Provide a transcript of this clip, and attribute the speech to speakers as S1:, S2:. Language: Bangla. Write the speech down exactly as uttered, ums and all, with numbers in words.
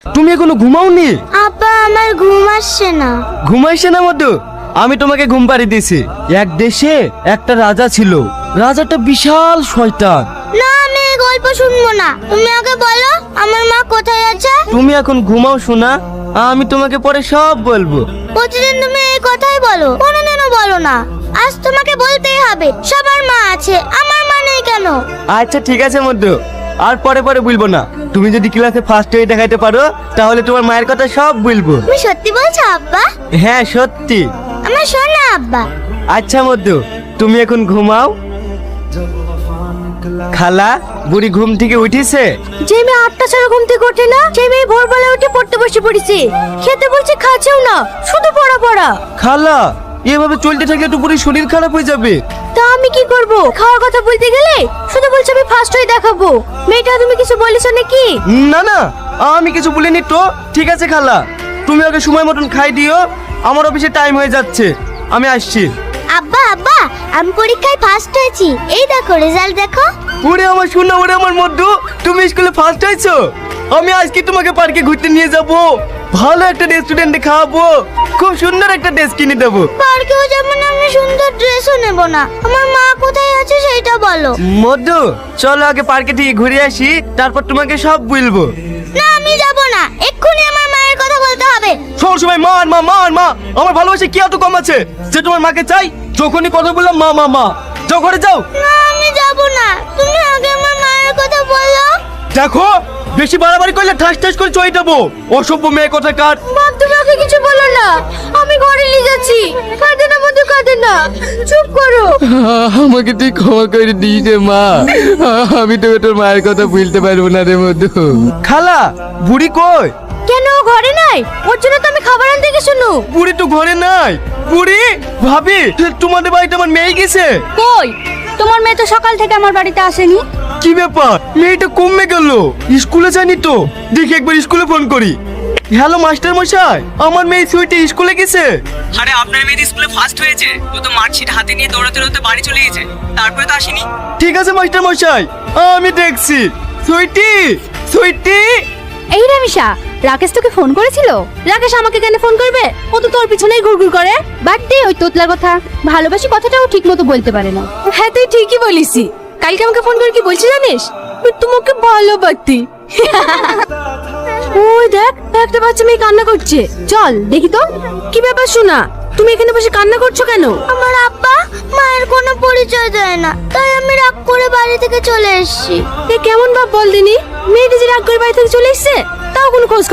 S1: তুমি এখনো ঘুমাওনি?
S2: আব্বা আমার ঘুম আসছে না।
S1: ঘুমাইছে না মধু? আমি তোমাকে ঘুম পাড়িয়ে দিয়েছি। এক দেশে একটা রাজা ছিল, রাজাটা বিশাল শয়তান।
S2: না আমি এই গল্প শুনবো না, তুমি আগে বলো আমার মা কোথায় আছে।
S1: তুমি এখন ঘুমাও শোনা, আমি তোমাকে পরে সব বলবো।
S2: প্রতিদিন তুমি এই কথাই বলো, কোনোদিনও বলো না। আজ তোমাকে বলতেই হবে সবার মা আছে, আমার মা নেই কেন?
S1: আচ্ছা ঠিক আছে মধু, আর পরে পরে বলবো না। তুমি যদি ক্লাসে ফার্স্ট হয়ে দেখাইতে পারো তাহলে তোমার মায়ের কথা সব বলবো।
S2: তুমি সত্যি বলছো আব্বা?
S1: হ্যাঁ সত্যি।
S2: আমার শোনা আব্বা।
S1: আচ্ছা মধু, তুমি এখন ঘুমাও। খালা, বুড়ি ঘুম থেকে উঠেছে?
S2: যে মেয়ে আটটা ছাড়া ঘুম থেকে ওঠে না, সেই মেয়ে ভোরবেলা উঠে পড়তে বসে পড়েছে। খেতে বলছে খাচ্ছেও না, শুধু পড়া পড়া।
S1: খালা, এভাবে চলতে থাকলে তো পুরো শরীর খারাপ হয়ে যাবে।
S2: তা আমি কি করব? খাওয়ার কথা বলতে গেলে শুধু বলছে আমি ফার্স্ট হয়ে দেখাবো। মেয়েটা তুমি কিছু বলেছো নাকি?
S1: না না, আমি কিছু বলিনি তো। ঠিক আছে খালা, তুমি ওকে সময় মতন খাই দিও, আমার অফিসে টাইম হয়ে যাচ্ছে, আমি আসছি।
S2: আব্বা আব্বা আমি পরীক্ষায় ফার্স্ট হয়েছি, এই দেখো রেজাল্ট দেখো।
S1: ওরে আমার শোনা, ওরে আমার মধু, তুমি স্কুলে ফার্স্ট হয়েছো। আমি আজকে তোমাকে পার্কে ঘুরতে নিয়ে যাব, ভালো একটা রেস্টুরেন্টে খাওয়াবো, খুব সুন্দর একটা ড্রেস কিনে দেবো।
S2: পার্কেও যেমন আমি সুন্দর ড্রেসও নেব না, আমার মা কোথায় আছে সেটা বলো।
S1: মধু, চলো আগে পার্কে থেকে ঘুরে আসি, তারপর তোমাকে সব বলবো।
S2: না আমি যাব না, এক্ষুনি আমার মায়ের কথা বলতে হবে।
S1: সব সময় মার মা মার মা, আমার ভালোবাসা কি এত কম আছে যে তোমার মাকে চাই? যখনই কথা বললাম মা মা মা। যাও ঘরে যাও।
S2: না আমি যাব না, তুমি আগে আমার মায়ের কথা বলো।
S1: দেখো, বেশি বাড়াবাড়ি করলে ঠাস ঠাস করে চয়ে যাবো। অসভ্য মেয়ে কোথাকার।
S2: মা তুমি আগে কিছু বলো না, আমি ঘরে নিয়ে যাচ্ছি। কাঁদে না মধু, কাঁদে না, চুপ করো।
S3: আমাকে তুই ক্ষমা করে দিস রে মা, আমি তোকে তোর মায়ের কথা ভুলতে পারবো না রে মধু।
S1: খালা, বুড়ি কই?
S2: কেন ও ঘরে নাই? ওর জন্য তো আমি খাবার আনতে গেছি।
S1: বুড়ি তো ঘরে নাই। বুড়ি, ভাবি, তোমাদের বাড়িতে আমার মেয়ে গেছে।
S2: কই তোমার মেয়ে তো সকাল থেকে আমার বাড়িতে আসেনি।
S1: কি ব্যাপার, মেয়েটা কমে গেল, স্কুলে যায়নি তো? দেখি একবার স্কুলে ফোন করি। হ্যালো মাস্টার মশাই, আমার মেয়ে সুইটি স্কুলে গেছে।
S4: আরে আপনার মেয়ে স্কুলে ফার্স্ট হয়েছে, ও তো মার্কশিট হাতে নিয়ে দৌড়াতে দৌড়াতে বাড়ি চলে গেছে, তারপরে তো আসেনি।
S1: ঠিক আছে মাস্টার মশাই, আমি দেখছি। সুইটি, সুইটি।
S2: এই রামিসা, রাকেশ তোকে ফোন করেছিল? রাকেশ আমাকে কেন ফোন করবে? ও তো তোর পিছনেই ঘুরঘুর করে। বাদ দে ওই তোতলার কথা, ভালোবাসি কথাটাও ঠিক মতো বলতে পারে না।
S5: হ্যাঁ তুই ঠিকই বলিস। কালকে আমাকে ফোন করে কি বলছি জানিস? তোমাকে ভালোবাসি। ওই দেখ, একটা বাচ্চা মেয়ে কান্না করছে, চল দেখি তো। কি ব্যাপার শোনা, তুমি এখানে বসে কান্না করছো কেন?
S2: আমার আব্বা মায়ের কোনো পরিচয় দেয় না, তাই আমি রাগ করে বাড়ি থেকে চলে এসেছি।
S5: এ কেমন বাপ বল দিনি, মেয়েটি যে রাগ করে বাড়ি থেকে চলে এসছে তাও কোনো খোঁজ